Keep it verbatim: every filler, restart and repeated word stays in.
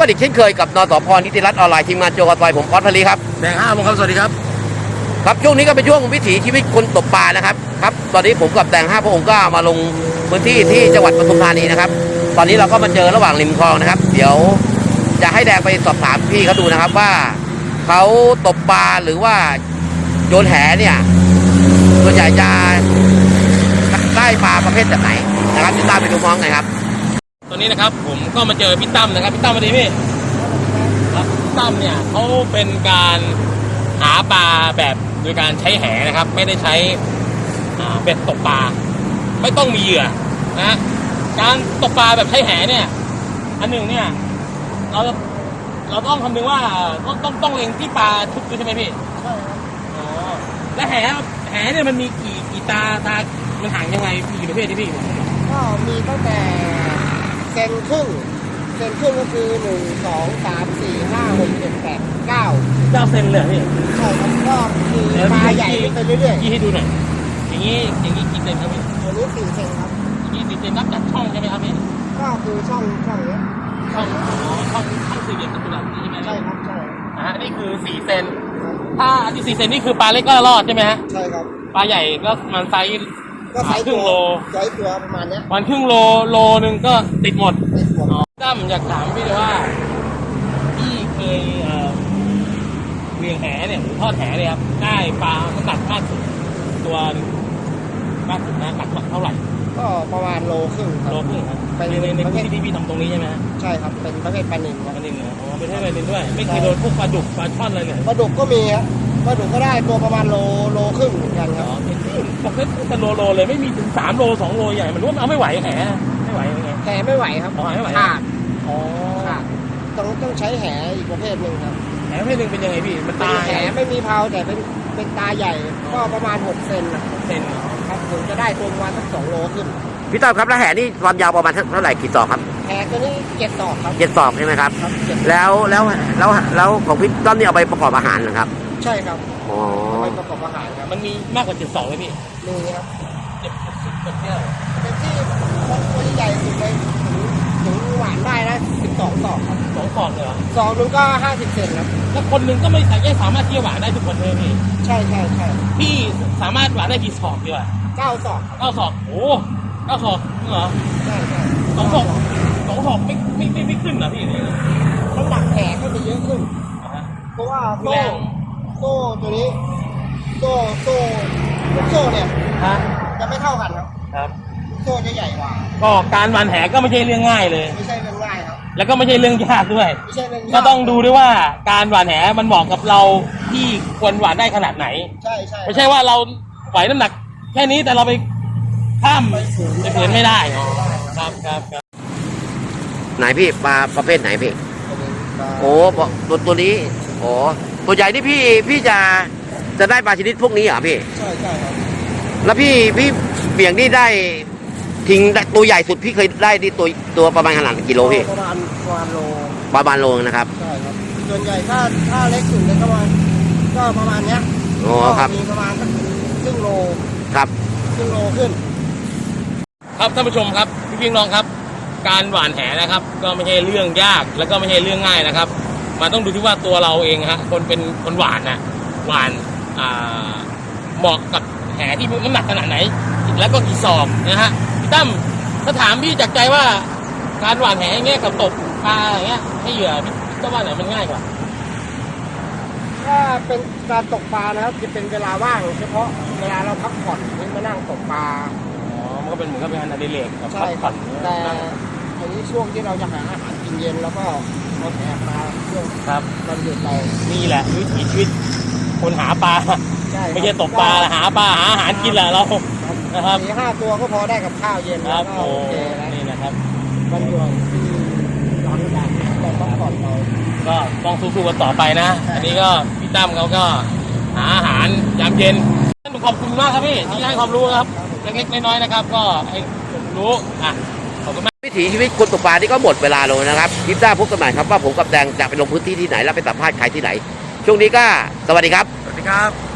อีกเช่นเคยกับนสพนิติรัตน์ออนไลน์ทีมงานโจกซอยผมออสพลีครับแดงห้าโมงครับสวัสดีครับครับช่วงนี้ก็เป็นช่วงวิถีชีวิตคนตกปลานะครับครับตอนนี้ผมกับแดงห้าพระองค์ก็มาลงพื้นที่ที่จังหวัดปทุมธานีนะครับตอนนี้เราก็มาเจอระหว่างริมคลองนะครับเดี๋ยวจะให้แดงไปสอบถามพี่เขาดูนะครับว่าเขาตกปลาหรือว่าโยนแหเนี่ยส่วนใหญ่จะได้ปลาประเภทแบบไหนนะครับติดตามไปดูพร้อมกันครับตอนนี้นะครับผมก็มาเจอพี่ตั้มนะครับพี่ตั้มมาดีพี่ครับพี่ตั้มเนี่ยเขาเป็นการหาปลาแบบโดยการใช้แหนะครับไม่ได้ใช้เบ็ดตกปลาไม่ต้องมีเหยื่อนะการตกปลาแบบใช้แหเนี่ยอันหนึ่งเนี่ยเราเราต้องคำนึงว่าต้องต้องต้องเล็งที่ปลาทุกตัวใช่ไหมพี่ใช่ครับอ๋อและแหแหเนี่ยมันมีกี่กี่ตาตามันห่างยังไงมีกี่ประเภทที่พี่ก็มีตั้งแต่เซนครึ่งเซนครึ่งก็คือหนึ่งสองสามสี่ห้าหกเจ็ดแปดเก้าเก้าเซนเลยพี่ใช่ครับก็คือปลาใหญ่ไปเรื่อยๆยี่ให้ดูหน่อยอย่างนี้อย่างนี้กี่เซนครับพี่อันนี้สี่เซนครับอย่างนี้สี่เซนนับจากช่องใช่ไหมครับพี่ก็คือช่องช่องนี้ช่องอ๋อช่องช่องสี่เหลี่ยมจัตุรัสนี่ใช่ไหมใช่ครับใช่อ่านี่คือสี่เซนถ้าอันที่สี่เซนนี่คือปลาเล็กก็รอดใช่ไหมฮะใช่ครับปลาใหญ่ก็มันไซส์ก็ไซส์ครึ่งโลไซส์ตัวประมาณเนี้ยวันครึ่งโลโลนึงก็ติดหมดติดหมดตั้มอยากถามพี่เลยว่าพี่เคยเอ่อเลี้ยงแหเนี่ยหรือทอดแหเนี่ยครับได้ปลาขนาดมากสุดตัวมากสุดนะหนักเท่าไหร่ก็ประมาณโลครึ่งโลครึ่งครับในในในพื้นที่ที่พี่ทำตรงนี้ใช่ไหมใช่ครับเป็นประเภทปลาหนึ่งปลาหนึ่งเหรออ๋อเป็นประเภทปลาหนึ่งด้วยไม่เคยโดนพวกปลาดุกปลาช่อนอะไรเลยปลาดุกก็มีครับปลาดุกก็ได้ตัวประมาณโลโลครึ่งเหมือนกันครับบอกว่าเป็นโลโลเลยไม่มีถึงสามโลสองโลใหญ่มันรู้ว่าเอาไม่ไหวแหไม่ไหวยังไงแหไม่ไหวครับอ๋อไม่ไหวขาดอ๋อขาดต้องต้องใช้แหอีกประเภทหนึ่งครับแหประเภทหนึ่งเป็นยังไงพี่มันตาแหไม่มีเพาแต่เป็นเป็นตาใหญ่ก็ประมาณหกเซนนะเซนครับถึงจะได้ตัวประมาณสักสองโลขึ้นพี่ต้อมครับแล้วแหนี่ความยาวประมาณเท่าไหร่กี่ศอกครับแหตัวนี้เจ็ดศอกครับเจ็ดศอกใช่ไหมครับแล้วแล้วแล้วแล้วของพี่ต้อมนี่เอาไปประกอบอาหารเหรอครับใช่ครับอ๋อไปประกอบอาหารครับมันมีมากกว่าเจ็ดศอกไหมพี่มีครับเจ็ดสิบเจ็ดเนี่ยเป็นที่ตัวใหญ่สุดเลยถึงหวานได้นะสิบสองศอกครับสองศอกเลยเหรอศอกนึงก็ห้าสิบเซนครับแล้วคนหนึ่งก็ไม่สามารถที่จะหวานได้ทุกคนเลยพี่ใช่ใช่ใช่พี่สามารถหวานได้กี่ศอกดีวะเก้าศอกเก้าศอกโอ้เก้าศอกเหรอใช่ใช่สองศอกสองศอกไม่ไม่ไม่ไม่ขึ้นเหรอพี่น้ำหนักแผลก็จะเยอะขึ้นเพราะว่าโซ่โซ่ตัวนี้โซ่โซ่ลูกโซ่เนี่ยจะไม่เท่ากันครับครับโซ่จะใหญ่กว่าก็การหวานแหก็ไม่ใช่เรื่องง่ายเลยไม่ใช่เรื่องง่ายครับแล้วก็ไม่ใช่เรื่องยากด้วยไม่ใช่เรื่องยากก็ต้องดูด้วยว่าการหวานแหมันเหมาะกับเราที่ควรหวานได้ขนาดไหนใช่ใช่ไม่ใช่ว่าเราไหวน้ำหนักแค่นี้แต่เราไปข้ามไปเกินไม่ได้ครับครับครับไหนพี่ปลาประเภทไหนพี่โอ้ตัวตัวนี้โอ้ตัวใหญ่ที่พี่พี่จะจะได้ปลาชนิดพวกนี้เหรอพี่ใช่ใช่ครับแล้วพี่พี่เบี่ยงนี่ได้ทิ้งตัวใหญ่สุดพี่เคยได้ที่ตัวตัวประมาณขนาดกิโลพี่ประมาณประมาณโลประมาณโลนะครับใช่ครับส่วนใหญ่ถ้าถ้าเล็กสุดเลยก็ประมาณก็ประมาณเนี้ยโอ้ครับมีประมาณครึ่งโลครับครึ่งโลขึ้นครับท่านผู้ชมครับพี่พี่น้องครับการหว่านแหนะครับก็ไม่ใช่เรื่องยากแล้วก็ไม่ใช่เรื่องง่ายนะครับมันต้องดูที่ว่าตัวเราเองฮะคนเป็นคนหว่านนะหว่านอ่าเหมาะกับแหที่น้ำหนักขนาดไหนแล้วก็กี่ศอกนะฮะพี่ตั้มถ้าถามพี่จากใจว่าการหว่านแหอย่างเงี้ยกับตกปลาอย่างเงี้ยให้เหยื่อพี่ก็ว่าไหนมันง่ายกว่าถ้าเป็นการตกปลานะครับจะเป็นเวลาว่างเฉพาะเวลาเราพักผ่อนที่มานั่งตกปลาก็เป็นเหมือนกับเป็นงานอดิเรกใช่ครับแต่อันนี้ช่วงที่เราจะหาอาหารกินเย็นแล้วก็เราแอบปลาช่วงครับวันหยุดเรานี่แหละวิถีชีวิตคนหาปลาไม่ใช่ตกปลาหาปลาหาอาหารกินแหละเรานะครับสี่ห้าตัวก็พอได้กับข้าวเย็นครับโอเคนี่นะครับวันหยุดที่ร้อนแดดเราต้องผ่อนเราก็ต้องสู้ๆกันต่อไปนะอันนี้ก็พี่ตั้มเขาก็หาอาหารยามเย็นขอบคุณมากครับพี่ที่ให้ความรู้ครับเล็กๆน้อยๆนะครับก็ให้รู้อ่ะขอบคุณมากวิถีชีวิตคนตกปลาที่ก็หมดเวลาลงนะครับคลิปหน้าพบกันใหม่ครับว่าผมกับแดงจะไปลงพื้นที่ที่ไหนแล้วไปสัมภาษณ์ใครที่ไหนช่วงนี้ก็สวัสดีครับสวัสดีครับ